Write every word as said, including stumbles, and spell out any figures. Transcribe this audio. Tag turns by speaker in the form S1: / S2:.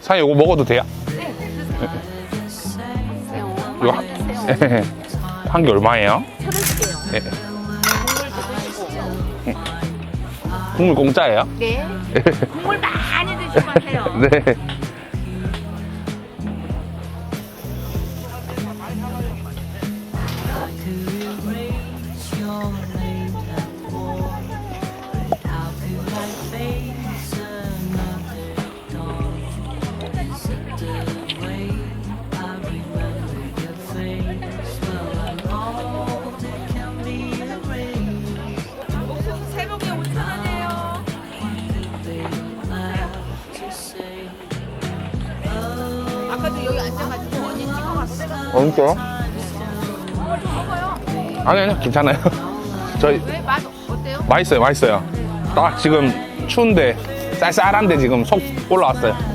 S1: 사장님 이거 먹어도 돼요?
S2: 네.
S1: 이거 한, 한 개 얼마예요?
S2: 천 원씩이에요.
S1: 네.
S2: 국물도 드시고.
S1: 국물 공짜예요?
S2: 네. 국물 많이 드시고 하세요.
S1: 네.
S2: 새벽에 오천 원이에요. 아까도 여기 앉아가지고 언니 찍어갔어요.
S1: 엄청?
S2: 먹어요.
S1: 아니, 아니요. 괜찮아요. 저희,
S2: 왜? 맛 어때요?
S1: 맛있어요, 맛있어요. 딱 지금 추운데, 쌀쌀한데 지금 속 올라왔어요.